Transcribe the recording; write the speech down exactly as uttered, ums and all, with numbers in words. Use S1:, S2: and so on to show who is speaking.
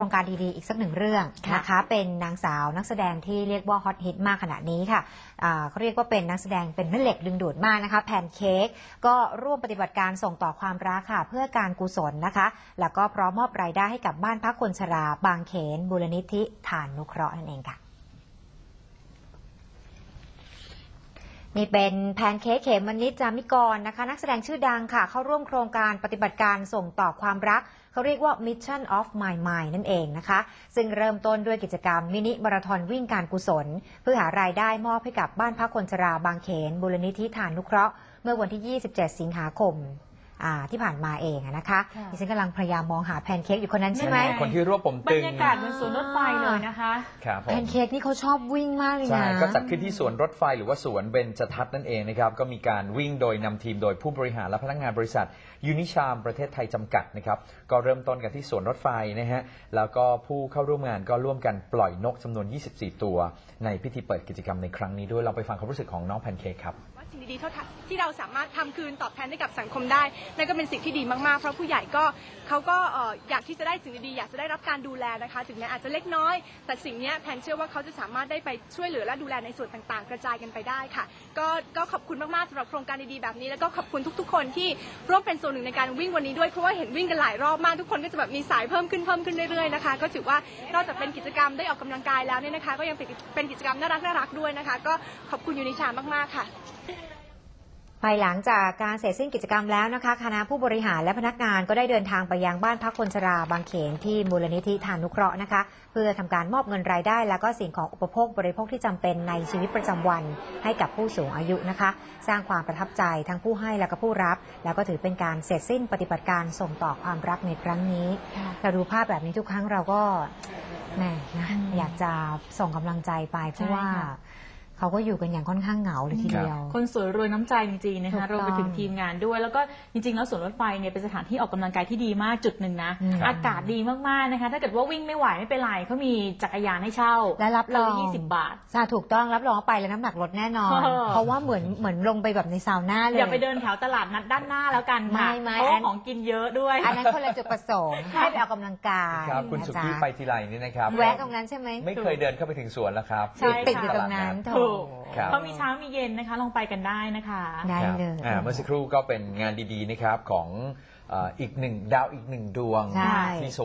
S1: โครงการดีๆอีกสักหนึ่งเรื่องนะคะเป็นนางสาวนักแสดงที่เรียกว่าฮอตฮิตมากขณะนี้ค่ะเขาเรียกว่าเป็นนักแสดงเป็นแม่เหล็กดึงดูดมากนะคะแพนเค้กก็ร่วมปฏิบัติการส่งต่อความรักค่ะเพื่อการกุศลนะคะแล้วก็พร้อมมอบรายได้ให้กับบ้านพักคนชราบางเขนมูลนิธิฐานนุเคราะห์นั่นเองค่ะนี่เป็นแพนเค้กเขมมณิช จามิกรนะคะนักแสดงชื่อดังค่ะเข้าร่วมโครงการปฏิบัติการส่งต่อความรักเขาเรียกว่า Mission of My Mind นั่นเองนะคะซึ่งเริ่มต้นด้วยกิจกรรมมินิมาราธอนวิ่งการกุศลเพื่อหารายได้มอบให้กับบ้านพักคนชราบางเขนมูลนิธิฐานนุเคราะห์เมื่อวันที่ยี่สิบเจ็ดสิงหาคมที่ผ่านมาเองนะคะดิฉันกำลังพยายามมองหาแพนเค้กอยู่คนนั้นใช่ไหม
S2: คนที่รวบผมตึง
S3: บรรยากาศเหมือนสวนรถไฟเลยนะคะ
S1: แพนเค้กนี่เขาชอบวิ่งมากเลยนะ
S2: ใช่ก็จัดขึ้นที่สวนรถไฟหรือว่าสวนเบญจทัศน์นั่นเองนะครับก็มีการวิ่งโดยนำทีมโดยผู้บริหารและพนักงานบริษัทยูนิชามประเทศไทยจำกัดนะครับก็เริ่มต้นกันที่สวนรถไฟนะฮะแล้วก็ผู้เข้าร่วมงานก็ร่วมกันปล่อยนกจำนวนยี่สิบสี่ตัวในพิธีเปิดกิจกรรมในครั้งนี้ด้วยเราไปฟังความรู้สึกของน้องแพนเค้กครับ
S4: สิ่งดีๆที่เราสามารถทำคืนตอบแทนให้กับสังคมได้นั่นก็เป็นสิ่งที่ดีมากๆเพราะผู้ใหญ่ก็เขาก็อยากที่จะได้สิ่งดีๆอยากจะได้รับการดูแลนะคะถึงแม้อาจจะเล็กน้อยแต่สิ่งนี้แพนเชื่อว่าเขาจะสามารถได้ไปช่วยเหลือและดูแลในส่วนต่างๆกระจายกันไปได้ค่ะก็ก็ขอบคุณมากๆสำหรับโครงการดีๆแบบนี้แล้วก็ขอบคุณทุกๆคนที่ร่วมเป็นส่วนหนึ่งในการวิ่งวันนี้ด้วยเพราะว่าเห็นวิ่งกันหลายรอบมากทุกคนก็จะแบบมีสายเพิ่มขึ้นเพิ่มขึ้นเรื่อยๆนะคะก็ถือว่านอกจากเป็นกิจกรรมได้ออกกำลังกายแล้วเนี่ยนะคะก็ยังเป็นกิจกรรมน่ารักน่ารักด้วยนะคะก็ขอบคุณยูนิชามากๆค่ะ
S1: ภายหลังจากการเสร็จสิ้นกิจกรรมแล้วนะคะคณะผู้บริหารและพนักงานก็ได้เดินทางไปยังบ้านพักคนชราบางเขนที่มูลนิธิฐานนุเคราะห์นะคะเพื่อทำการมอบเงินรายได้และก็สิ่งของอุปโภคบริโภคที่จำเป็นในชีวิตประจำวันให้กับผู้สูงอายุนะคะสร้างความประทับใจทั้งผู้ให้และก็ผู้รับแล้วก็ถือเป็นการเสร็จสิ้นปฏิบัติการส่งต่อความรักในครั้งนี้เราดูภาพแบบนี้ทุกครั้งเราก็แหมนะอยากจะส่งกำลังใจไปเพราะว่าเขาก็อยู่กันอย่างค่อนข้างเหงาเลยทีเดียว
S3: คนสวยรวยน้ำใจจริงๆนะคะรวมไปถึงทีมงานด้วยแล้วก็จริงๆแล้วสวนรถไฟเนี่ยเป็นสถานที่ออกกำลังกายที่ดีมากจุดหนึ่งนะอากาศดีมากๆนะคะถ้าเกิดว่าวิ่งไม่ไหวไม่เป็นไรเขามีจักรยานให้เช่า
S1: และรับรอง
S3: ยี่สิบบาท
S1: ใช่ถูกต้องรับรองไปแล้วน้ำหนักลดแน่นอนเพราะว่าเหมือนเหมือนลงไปแบบในซาวน่าเลย
S3: อย่าไปเดินแถวตลาดนัดด้านหน้าแล้วกันค่ะเพราะของกินเยอะด้วย
S1: อันนั้นคนละจุดประสงค์ให้ไปออกกำลังกาย
S2: ครับคุณสุกี้ไปทีไรนี่นะครับ
S1: แวะตรงนั้นใช่ไหม
S2: ไม่เคยเดินเข้าไปถึงสวนแล้วครับ
S1: ติดอยู่ตรงนั้น
S3: ถูกเขามีเช้ามีเย็นนะคะลองไปกันได้นะคะ
S1: ได้เลย
S2: เมื่อสักครู่ก็เป็นงานดีๆนะครับของอีกหนึ่งดาวอีกหนึ่งดวงที่